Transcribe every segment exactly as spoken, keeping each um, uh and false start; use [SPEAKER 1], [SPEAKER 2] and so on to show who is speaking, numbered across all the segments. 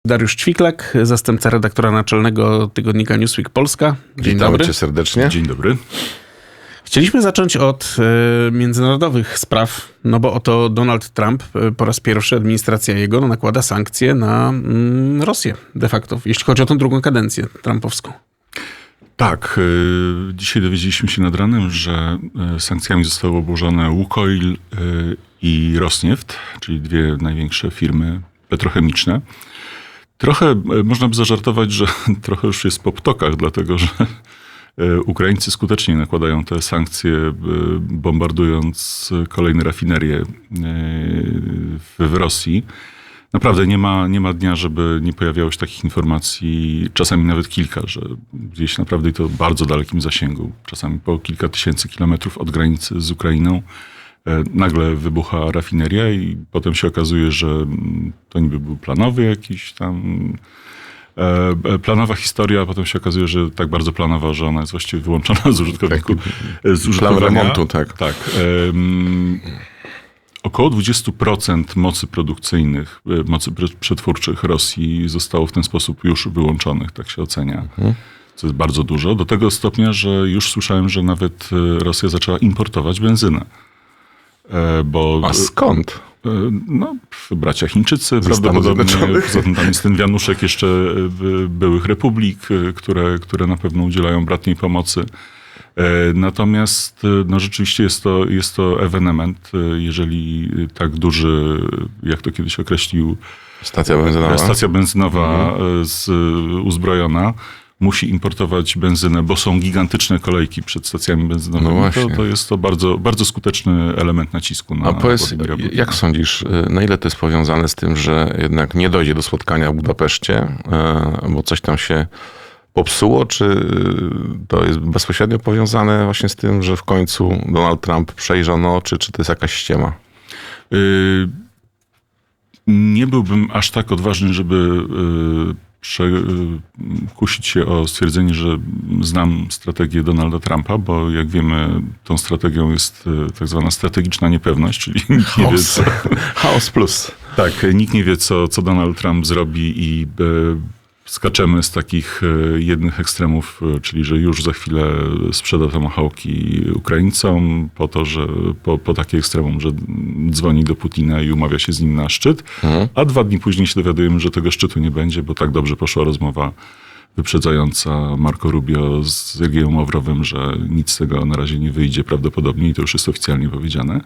[SPEAKER 1] Dariusz Ćwiklak, zastępca redaktora naczelnego tygodnika Newsweek Polska. Dzień
[SPEAKER 2] Witamy
[SPEAKER 1] dobry.
[SPEAKER 2] cię serdecznie.
[SPEAKER 3] Dzień dobry.
[SPEAKER 1] Chcieliśmy zacząć od e, międzynarodowych spraw, no bo oto Donald Trump, e, po raz pierwszy administracja jego nakłada sankcje na mm, Rosję de facto, jeśli chodzi o tę drugą kadencję trumpowską.
[SPEAKER 3] Tak, y, dzisiaj dowiedzieliśmy się nad ranem, że y, sankcjami zostały obłożone Łukoil y, i Rosnieft, czyli dwie największe firmy petrochemiczne. Trochę y, można by zażartować, że trochę już jest po ptokach, dlatego że y, Ukraińcy skutecznie nakładają te sankcje, y, bombardując kolejne rafinerie y, w, w Rosji. Naprawdę nie ma, nie ma dnia, żeby nie pojawiało się takich informacji, czasami nawet kilka, że gdzieś naprawdę to w bardzo dalekim zasięgu, czasami po kilka tysięcy kilometrów od granicy z Ukrainą, e, nagle wybucha rafineria i potem się okazuje, że to niby był planowy jakiś tam, e, planowa historia, a potem się okazuje, że tak bardzo planowa, że ona jest właściwie wyłączona z użytkowników.
[SPEAKER 2] Tak,
[SPEAKER 3] z użytkowania.
[SPEAKER 2] Plan remontu, tak.
[SPEAKER 3] Tak. E, Około dwadzieścia procent mocy produkcyjnych, mocy przetwórczych Rosji zostało w ten sposób już wyłączonych, tak się ocenia. Mhm. Co jest bardzo dużo. Do tego stopnia, że już słyszałem, że nawet Rosja zaczęła importować benzynę. Bo,
[SPEAKER 2] A skąd?
[SPEAKER 3] No, bracia Chińczycy
[SPEAKER 2] Ze
[SPEAKER 3] prawdopodobnie.
[SPEAKER 2] Zjednoczonych.
[SPEAKER 3] Poza tym tam jest ten wianuszek jeszcze byłych republik, które, które na pewno udzielają bratniej pomocy. Natomiast no rzeczywiście jest to, jest to ewenement, jeżeli tak duży, jak to kiedyś określił
[SPEAKER 2] Stacja benzynowa.
[SPEAKER 3] Stacja benzynowa
[SPEAKER 2] Mhm.
[SPEAKER 3] z, uzbrojona musi importować benzynę, bo są gigantyczne kolejki przed stacjami benzynowymi.
[SPEAKER 2] No
[SPEAKER 3] to, to jest to bardzo, bardzo skuteczny element nacisku na
[SPEAKER 2] A powiedz,
[SPEAKER 3] Władimira Putina.
[SPEAKER 2] jak sądzisz, na ile to jest powiązane z tym, że jednak nie dojdzie do spotkania w Budapeszcie, bo coś tam się popsuło, czy to jest bezpośrednio powiązane właśnie z tym, że w końcu Donald Trump przejrzał oczy, czy to jest jakaś ściema?
[SPEAKER 3] Y, nie byłbym aż tak odważny, żeby y, prze, y, kusić się o stwierdzenie, że znam strategię Donalda Trumpa, bo jak wiemy, tą strategią jest y, tak zwana strategiczna niepewność, czyli nikt nie wie, co,
[SPEAKER 2] Chaos plus.
[SPEAKER 3] tak, nikt nie wie, co, co Donald Trump zrobi i y, skaczemy z takich jednych ekstremów, czyli że już za chwilę sprzeda tomahawki Ukraińcom, po to, że po, po takie ekstremum, że dzwoni do Putina i umawia się z nim na szczyt, mhm. a dwa dni później się dowiadujemy, że tego szczytu nie będzie, bo tak dobrze poszła rozmowa wyprzedzająca Marco Rubio z Sergiejem Ławrowem, że nic z tego na razie nie wyjdzie prawdopodobnie i to już jest oficjalnie powiedziane.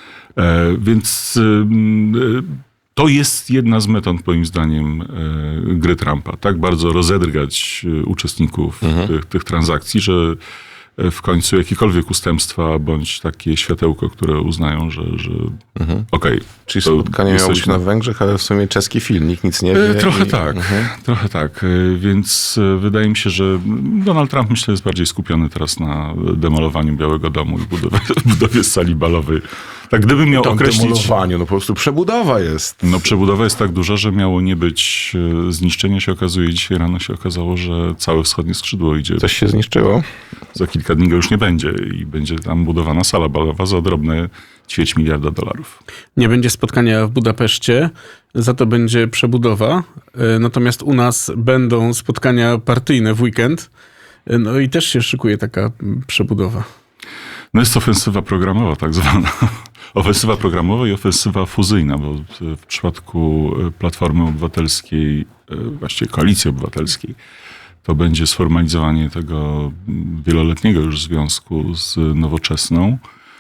[SPEAKER 3] E, więc e, To jest jedna z metod, moim zdaniem, gry Trumpa. Tak bardzo rozedrgać uczestników mhm. tych, tych transakcji, że w końcu jakiekolwiek ustępstwa bądź takie światełko, które uznają, że, że
[SPEAKER 2] mhm.
[SPEAKER 3] okej. Okay,
[SPEAKER 2] czyli spotkanie miało być na Węgrzech, ale w sumie czeski film, nikt nic nie wie.
[SPEAKER 3] Trochę
[SPEAKER 2] i...
[SPEAKER 3] tak, mhm. trochę tak. Więc wydaje mi się, że Donald Trump, myślę, jest bardziej skupiony teraz na demolowaniu Białego Domu i budowie, budowie sali balowej. Tak, gdybym miał
[SPEAKER 2] Tam
[SPEAKER 3] określić...
[SPEAKER 2] demolowaniu, no po prostu przebudowa jest.
[SPEAKER 3] No przebudowa jest tak duża, że miało nie być zniszczenia, się okazuje. Dzisiaj rano się okazało, że całe wschodnie skrzydło idzie.
[SPEAKER 2] Coś się zniszczyło?
[SPEAKER 3] Za kilka dni go już nie będzie i będzie tam budowana sala balowa za drobne ćwierć miliarda dolarów.
[SPEAKER 1] Nie będzie spotkania w Budapeszcie, za to będzie przebudowa. Natomiast u nas będą spotkania partyjne w weekend. No i też się szykuje taka przebudowa.
[SPEAKER 3] No jest ofensywa programowa tak zwana. Ofensywa programowa i ofensywa fuzyjna, bo w przypadku Platformy Obywatelskiej, właściwie Koalicji Obywatelskiej, to będzie sformalizowanie tego wieloletniego już związku z Nowoczesną.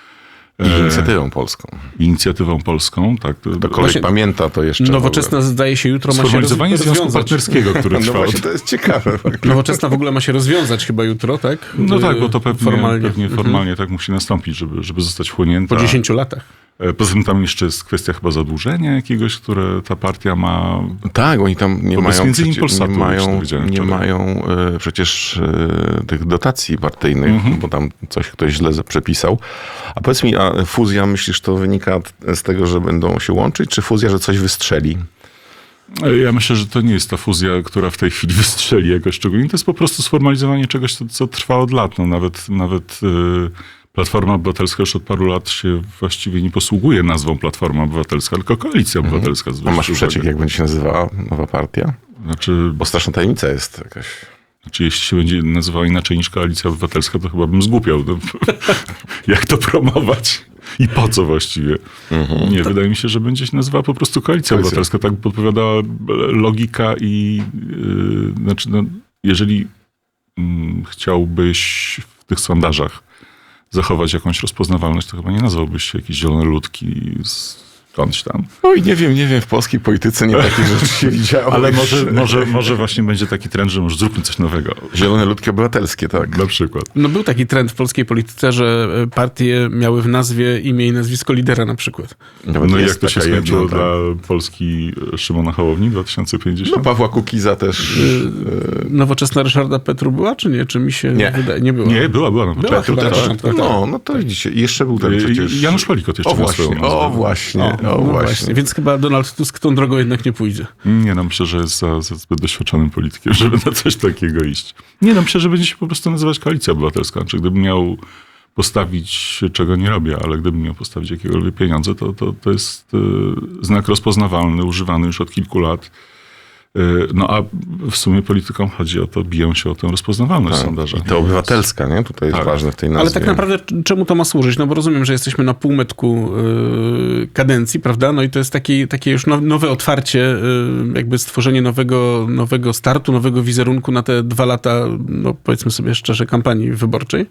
[SPEAKER 2] I inicjatywą polską.
[SPEAKER 3] Inicjatywą polską, tak.
[SPEAKER 2] To koleś właśnie pamięta to jeszcze.
[SPEAKER 1] Nowoczesna zdaje się jutro ma się
[SPEAKER 3] Sformalizowanie związku partnerskiego, które
[SPEAKER 2] no
[SPEAKER 3] trwa.
[SPEAKER 2] właśnie, to jest ciekawe.
[SPEAKER 1] Nowoczesna w ogóle ma się rozwiązać chyba jutro, tak?
[SPEAKER 3] No tak, bo to pewnie
[SPEAKER 1] formalnie,
[SPEAKER 3] pewnie formalnie mhm. tak musi nastąpić, żeby, żeby zostać wchłonięta.
[SPEAKER 1] Po dziesięciu latach.
[SPEAKER 3] Poza tym tam jeszcze jest kwestia chyba zadłużenia jakiegoś, które ta partia ma.
[SPEAKER 2] Tak, oni tam nie mają,
[SPEAKER 3] między innymi
[SPEAKER 2] przecie,
[SPEAKER 3] Polsatu,
[SPEAKER 2] nie mają, nie
[SPEAKER 3] wczoraj.
[SPEAKER 2] mają y, przecież y, tych dotacji partyjnych, mhm. bo tam coś ktoś źle przepisał. A powiedz mi, a fuzja, myślisz, to wynika z tego, że będą się łączyć, czy fuzja, że coś wystrzeli?
[SPEAKER 3] Ja myślę, że to nie jest ta fuzja, która w tej chwili wystrzeli jakoś szczególnie. To jest po prostu sformalizowanie czegoś, co, co trwa od lat. No, nawet nawet yy, Platforma Obywatelska już od paru lat się właściwie nie posługuje nazwą Platforma Obywatelska, tylko Koalicja Obywatelska.
[SPEAKER 2] Mhm. A masz przeciek, jak będzie się nazywała nowa partia?
[SPEAKER 3] Znaczy,
[SPEAKER 2] Bo straszna tajemnica jest jakaś.
[SPEAKER 3] znaczy, jeśli się będzie nazywała inaczej niż Koalicja Obywatelska, to chyba bym zgłupiał. No, jak to promować? I po co właściwie?
[SPEAKER 2] Mhm.
[SPEAKER 3] Nie, wydaje mi się, że będzie się nazywała po prostu Koalicja
[SPEAKER 2] Koalicja.
[SPEAKER 3] Obywatelska. Tak podpowiadała logika i yy, znaczy, no, jeżeli mm, chciałbyś w tych sondażach zachować jakąś rozpoznawalność, to chyba nie nazwałbyś się jakieś zielone ludki skądś tam.
[SPEAKER 2] Oj, nie wiem, nie wiem, w polskiej polityce nie takich rzeczy się widziało.
[SPEAKER 3] Ale może, może, może właśnie będzie taki trend, że może zróbmy coś nowego.
[SPEAKER 2] Zielone ludki obywatelskie, tak.
[SPEAKER 3] Na przykład.
[SPEAKER 1] No był taki trend w polskiej polityce, że partie miały w nazwie imię i nazwisko lidera na przykład.
[SPEAKER 2] Nawet
[SPEAKER 3] No i
[SPEAKER 2] jest
[SPEAKER 3] jak to się
[SPEAKER 2] taka
[SPEAKER 3] skończyło
[SPEAKER 2] jedna,
[SPEAKER 3] dla
[SPEAKER 2] tak.
[SPEAKER 3] Polski Szymona Hołowni dwa tysiące pięćdziesiąt?
[SPEAKER 2] No Pawła Kukiza też.
[SPEAKER 1] Nowoczesna Ryszarda Petru była, czy nie? Czy mi się
[SPEAKER 2] Nie.
[SPEAKER 1] wydaje? Nie była.
[SPEAKER 3] Nie, była, była na
[SPEAKER 1] Była
[SPEAKER 3] początku.
[SPEAKER 1] chyba na
[SPEAKER 3] tak.
[SPEAKER 1] początku. tak.
[SPEAKER 2] No, no to widzicie. I jeszcze był ten
[SPEAKER 3] Y,
[SPEAKER 2] przecież...
[SPEAKER 3] Janusz Palikot jeszcze
[SPEAKER 2] O
[SPEAKER 3] miał
[SPEAKER 2] właśnie,
[SPEAKER 3] swoją nazwę.
[SPEAKER 2] o właśnie,
[SPEAKER 1] O,
[SPEAKER 2] o
[SPEAKER 1] no
[SPEAKER 2] właśnie.
[SPEAKER 1] Więc chyba Donald Tusk tą drogą jednak nie pójdzie.
[SPEAKER 3] Nie, no myślę, że jest za, za zbyt doświadczonym politykiem, żeby na coś takiego iść. Nie, no myślę, że będzie się po prostu nazywać Koalicja Obywatelska. Znaczy, gdybym miał postawić, czego nie robię, ale gdybym miał postawić jakiekolwiek pieniądze, to, to, to jest y, znak rozpoznawalny, używany już od kilku lat. Y, no a w sumie politykom chodzi o to, biją się o tę rozpoznawalność w
[SPEAKER 2] Tak.
[SPEAKER 3] sondażach.
[SPEAKER 2] I to obywatelska, nie? Tutaj jest
[SPEAKER 3] Tak.
[SPEAKER 2] ważne w tej nazwie.
[SPEAKER 1] Ale tak naprawdę c- czemu to ma służyć? No bo rozumiem, że jesteśmy na półmetku yy, kadencji, prawda? No i to jest taki, takie już now, nowe otwarcie, yy, jakby stworzenie nowego, nowego startu, nowego wizerunku na te dwa lata, no powiedzmy sobie szczerze, kampanii wyborczej.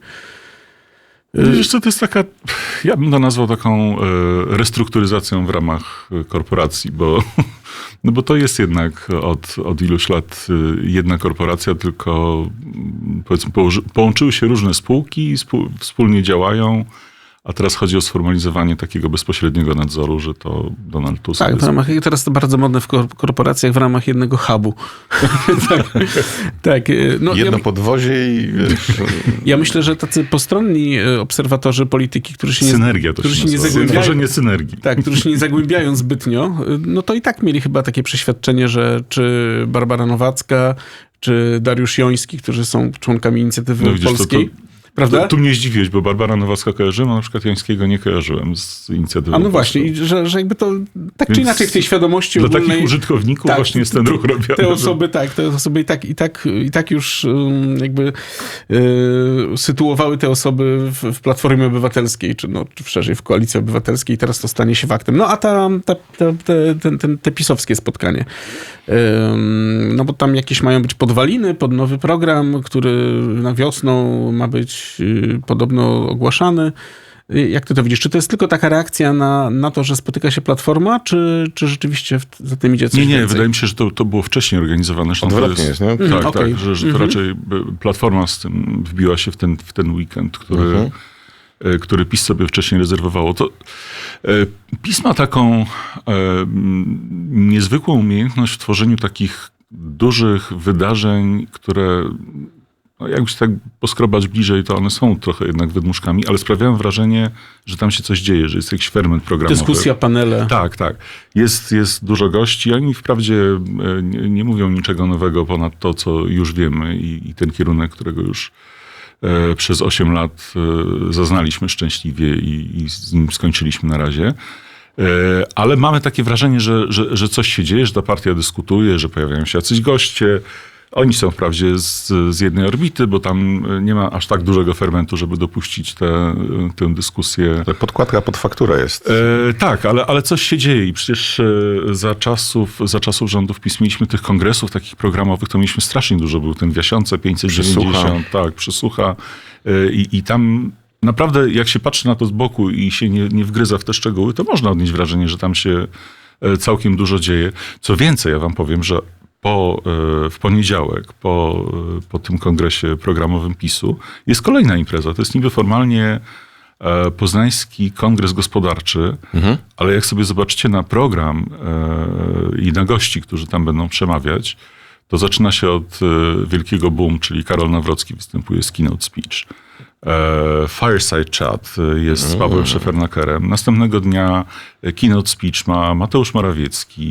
[SPEAKER 3] Wiesz co, to jest taka, ja bym to nazwał taką e, restrukturyzacją w ramach e, korporacji, bo, no bo to jest jednak od, od iluś lat e, jedna korporacja, tylko mm, powiedzmy położy, połączyły się różne spółki, spół, wspólnie działają, a teraz chodzi o sformalizowanie takiego bezpośredniego nadzoru, że to Donald Tusk
[SPEAKER 1] Tak,
[SPEAKER 3] jest...
[SPEAKER 1] w ramach, teraz to bardzo modne w kor- korporacjach w ramach jednego hubu. tak, tak, yy, no,
[SPEAKER 2] Jedno
[SPEAKER 1] ja,
[SPEAKER 2] podwozie i wiesz,
[SPEAKER 1] ja myślę, że tacy postronni yy, obserwatorzy polityki, którzy się nie,
[SPEAKER 3] Synergia to
[SPEAKER 1] którzy
[SPEAKER 3] się
[SPEAKER 1] się nie
[SPEAKER 3] nazywa.
[SPEAKER 1] zagłębiają,
[SPEAKER 3] Tworzenie synergii.
[SPEAKER 1] Tak, którzy się nie zagłębiają zbytnio, no to i tak mieli chyba takie przeświadczenie, że czy Barbara Nowacka, czy Dariusz Joński, którzy są członkami Inicjatywy
[SPEAKER 3] No widzisz, to-
[SPEAKER 1] Polskiej,
[SPEAKER 3] to-
[SPEAKER 1] prawda?
[SPEAKER 3] To, tu mnie zdziwiłeś, bo Barbara Nowacka kojarzyłem, a na przykład Jańskiego nie kojarzyłem z inicjatywy.
[SPEAKER 1] A no właśnie, i że, że jakby to tak
[SPEAKER 3] Więc
[SPEAKER 1] czy inaczej w tej świadomości
[SPEAKER 3] Dla
[SPEAKER 1] ogólnej...
[SPEAKER 3] takich użytkowników
[SPEAKER 1] tak,
[SPEAKER 3] właśnie jest ten ruch robiony.
[SPEAKER 1] Te
[SPEAKER 3] że-
[SPEAKER 1] osoby, tak, te osoby i tak, i tak, i tak już um, jakby e, sytuowały te osoby w, w Platformie Obywatelskiej, czy, no, czy szerzej w Koalicji Obywatelskiej i teraz to stanie się faktem. No a ta, ta, ta, te, ten, ten, te pisowskie spotkanie. Ym, no bo tam jakieś mają być podwaliny pod nowy program, który na wiosną ma być y, podobno ogłaszany. Y, Jak ty to widzisz? Czy to jest tylko taka reakcja na, na to, że spotyka się Platforma, czy, czy rzeczywiście w, za tym idzie coś
[SPEAKER 3] Nie, nie,
[SPEAKER 1] więcej?
[SPEAKER 3] wydaje mi się, że to, to było wcześniej organizowane. Zresztą to
[SPEAKER 2] Odwrotnie jest, nie?
[SPEAKER 3] Tak,
[SPEAKER 1] Mhm,
[SPEAKER 3] tak,
[SPEAKER 1] okej.
[SPEAKER 3] że, że to
[SPEAKER 1] Mhm.
[SPEAKER 3] raczej by- Platforma z tym wbiła się w ten, w ten weekend, który,
[SPEAKER 2] Mhm.
[SPEAKER 3] e, który PiS sobie wcześniej rezerwowało. To, e, PiS ma taką e, m, niezwykłą umiejętność w tworzeniu takich dużych wydarzeń, które no jakby się tak poskrobać bliżej, to one są trochę jednak wydmuszkami, ale sprawiają wrażenie, że tam się coś dzieje, że jest jakiś ferment programowy.
[SPEAKER 1] Dyskusja, panele.
[SPEAKER 3] Tak, tak. Jest, jest dużo gości. Oni wprawdzie e, nie, nie mówią niczego nowego ponad to, co już wiemy i, i ten kierunek, którego już e, przez osiem lat e, zaznaliśmy szczęśliwie i, i z nim skończyliśmy na razie. E, ale mamy takie wrażenie, że, że, że coś się dzieje, że ta partia dyskutuje, że pojawiają się jacyś goście. Oni są wprawdzie z, z jednej orbity, bo tam nie ma aż tak dużego fermentu, żeby dopuścić tę tę dyskusję.
[SPEAKER 2] Ale podkładka pod fakturę jest.
[SPEAKER 3] E, tak, ale, ale coś się dzieje i przecież e, za czasów, za czasów rządów PiS mieliśmy tych kongresów takich programowych, to mieliśmy strasznie dużo. Był ten w Jasiące pięćset dziewięćdziesiąt, tak, przysłucha e, i, i tam naprawdę jak się patrzy na to z boku i się nie, nie wgryza w te szczegóły, to można odnieść wrażenie, że tam się e, całkiem dużo dzieje. Co więcej, ja wam powiem, że po, e, w poniedziałek, po, e, po tym kongresie programowym PiSu jest kolejna impreza. To jest niby formalnie e, Poznański Kongres Gospodarczy,
[SPEAKER 2] Mhm.
[SPEAKER 3] ale jak sobie zobaczycie na program e, i na gości, którzy tam będą przemawiać, to zaczyna się od e, wielkiego boom, czyli Karol Nawrocki występuje z keynote speech. E, Fireside Chat e, jest z Pawłem Szefernakerem. Następnego dnia e, keynote speech ma Mateusz Morawiecki.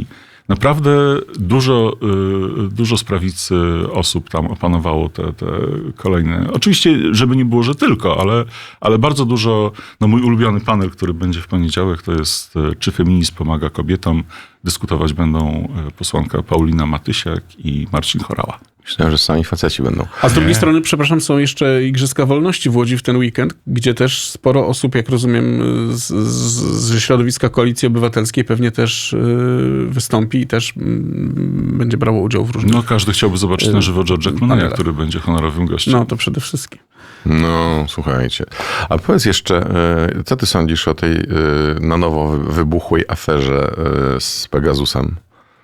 [SPEAKER 3] Naprawdę dużo, y, dużo z prawicy osób tam opanowało te, te kolejne. Oczywiście, żeby nie było, że tylko, ale, ale bardzo dużo. No mój ulubiony panel, który będzie w poniedziałek, to jest y, Czy feminizm pomaga kobietom? Dyskutować będą y, posłanka Paulina Matysiak i Marcin Horała.
[SPEAKER 2] Myślałem, że sami faceci będą.
[SPEAKER 1] A z drugiej strony, przepraszam, są jeszcze Igrzyska Wolności w Łodzi w ten weekend, gdzie też sporo osób, jak rozumiem, z, z, ze środowiska Koalicji Obywatelskiej pewnie też y, wystąpi i też y, będzie brało udział w różnych...
[SPEAKER 3] No każdy chciałby zobaczyć na żywo George'a Clooney'a, który będzie honorowym gościem.
[SPEAKER 1] No, to przede wszystkim.
[SPEAKER 2] No, słuchajcie. A powiedz jeszcze, y, co ty sądzisz o tej y, na nowo wybuchłej aferze y, z Pegasusem?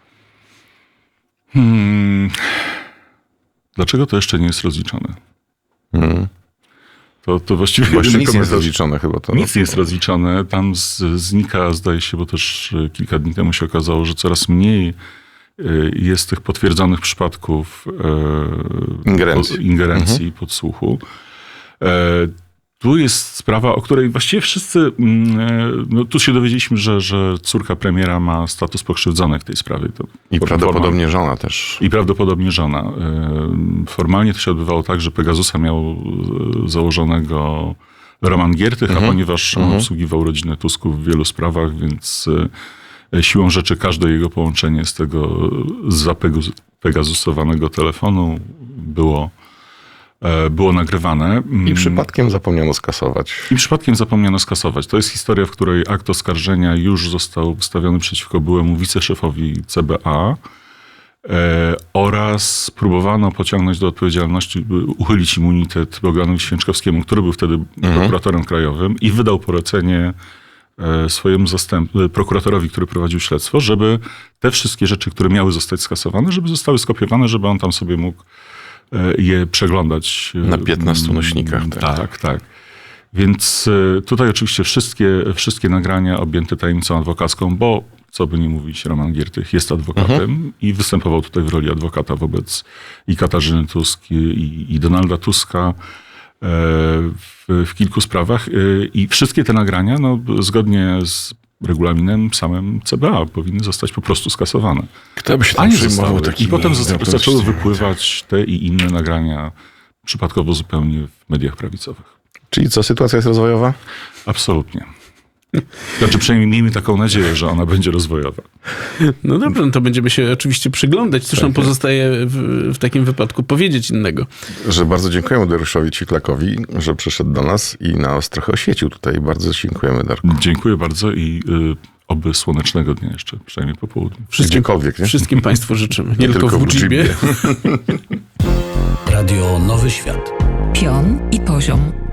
[SPEAKER 3] Hmm... Dlaczego to jeszcze nie jest rozliczone?
[SPEAKER 2] Hmm.
[SPEAKER 3] To, to właściwie...
[SPEAKER 2] Bo jeszcze nic nie jest
[SPEAKER 3] komentarz-
[SPEAKER 2] rozliczone chyba. To
[SPEAKER 3] Nic nie jest rozliczone. Tam z, znika, zdaje się, bo też kilka dni temu się okazało, że coraz mniej y, jest tych potwierdzonych przypadków y,
[SPEAKER 2] Ingerencji.
[SPEAKER 3] po- ingerencji podsłuchu. E, Tu jest sprawa, o której właściwie wszyscy, mm, e, no tu się dowiedzieliśmy, że, że córka premiera ma status pokrzywdzonej w tej sprawie. To
[SPEAKER 2] I
[SPEAKER 3] forma-
[SPEAKER 2] prawdopodobnie żona też.
[SPEAKER 3] I prawdopodobnie żona. E, Formalnie to się odbywało tak, że Pegasusa miał e, założonego Roman Giertych,
[SPEAKER 2] Mhm.
[SPEAKER 3] a ponieważ on
[SPEAKER 2] Mhm.
[SPEAKER 3] obsługiwał rodzinę Tusków w wielu sprawach, więc e, siłą rzeczy każde jego połączenie z tego zapegasusowanego telefonu było, e, było nagrywane.
[SPEAKER 2] I przypadkiem zapomniano skasować.
[SPEAKER 3] I przypadkiem zapomniano skasować. To jest historia, w której akt oskarżenia już został wystawiony przeciwko byłemu wiceszefowi C B A e, oraz próbowano pociągnąć do odpowiedzialności, by uchylić immunitet Bogdanowi Święczkowskiemu, który był wtedy prokuratorem krajowym i wydał polecenie e, swojemu zastęp, prokuratorowi, który prowadził śledztwo, żeby te wszystkie rzeczy, które miały zostać skasowane, żeby zostały skopiowane, żeby on tam sobie mógł e, je przeglądać. e,
[SPEAKER 2] Na piętnastu nośnikach, tak.
[SPEAKER 3] Tak, tak. Więc e, tutaj oczywiście wszystkie, wszystkie nagrania objęte tajemnicą adwokacką, bo co by nie mówić, Roman Giertych jest adwokatem i występował tutaj w roli adwokata wobec i Katarzyny Tusk i, i Donalda Tuska e, w, w kilku sprawach. E, I wszystkie te nagrania, no, zgodnie z regulaminem samym C B A powinny zostać po prostu skasowane.
[SPEAKER 2] Kto by się
[SPEAKER 3] A
[SPEAKER 2] tam
[SPEAKER 3] nie
[SPEAKER 2] przejmował
[SPEAKER 3] zostały. I
[SPEAKER 2] takimi
[SPEAKER 3] potem zas-
[SPEAKER 2] wiadomościami?
[SPEAKER 3] zaczęły wypływać te i inne nagrania przypadkowo zupełnie w mediach prawicowych.
[SPEAKER 2] Czyli co, sytuacja jest rozwojowa?
[SPEAKER 3] Absolutnie. Znaczy przynajmniej miejmy taką nadzieję, że ona będzie rozwojowa.
[SPEAKER 1] No dobrze, no to będziemy się oczywiście przyglądać. Cóż nam pozostaje w, w takim wypadku powiedzieć innego.
[SPEAKER 2] Że bardzo dziękujemy Dariuszowi Ciklakowi, że przyszedł do nas i nas trochę oświecił tutaj. Bardzo dziękujemy, Darku.
[SPEAKER 3] Dziękuję bardzo i y, oby słonecznego dnia jeszcze, przynajmniej po południu.
[SPEAKER 1] Wszystkim,
[SPEAKER 2] Gdziekolwiek, nie?
[SPEAKER 1] wszystkim Państwu życzymy. Nie, tylko w Uczibie.
[SPEAKER 4] Radio Nowy Świat.
[SPEAKER 5] Pion i poziom.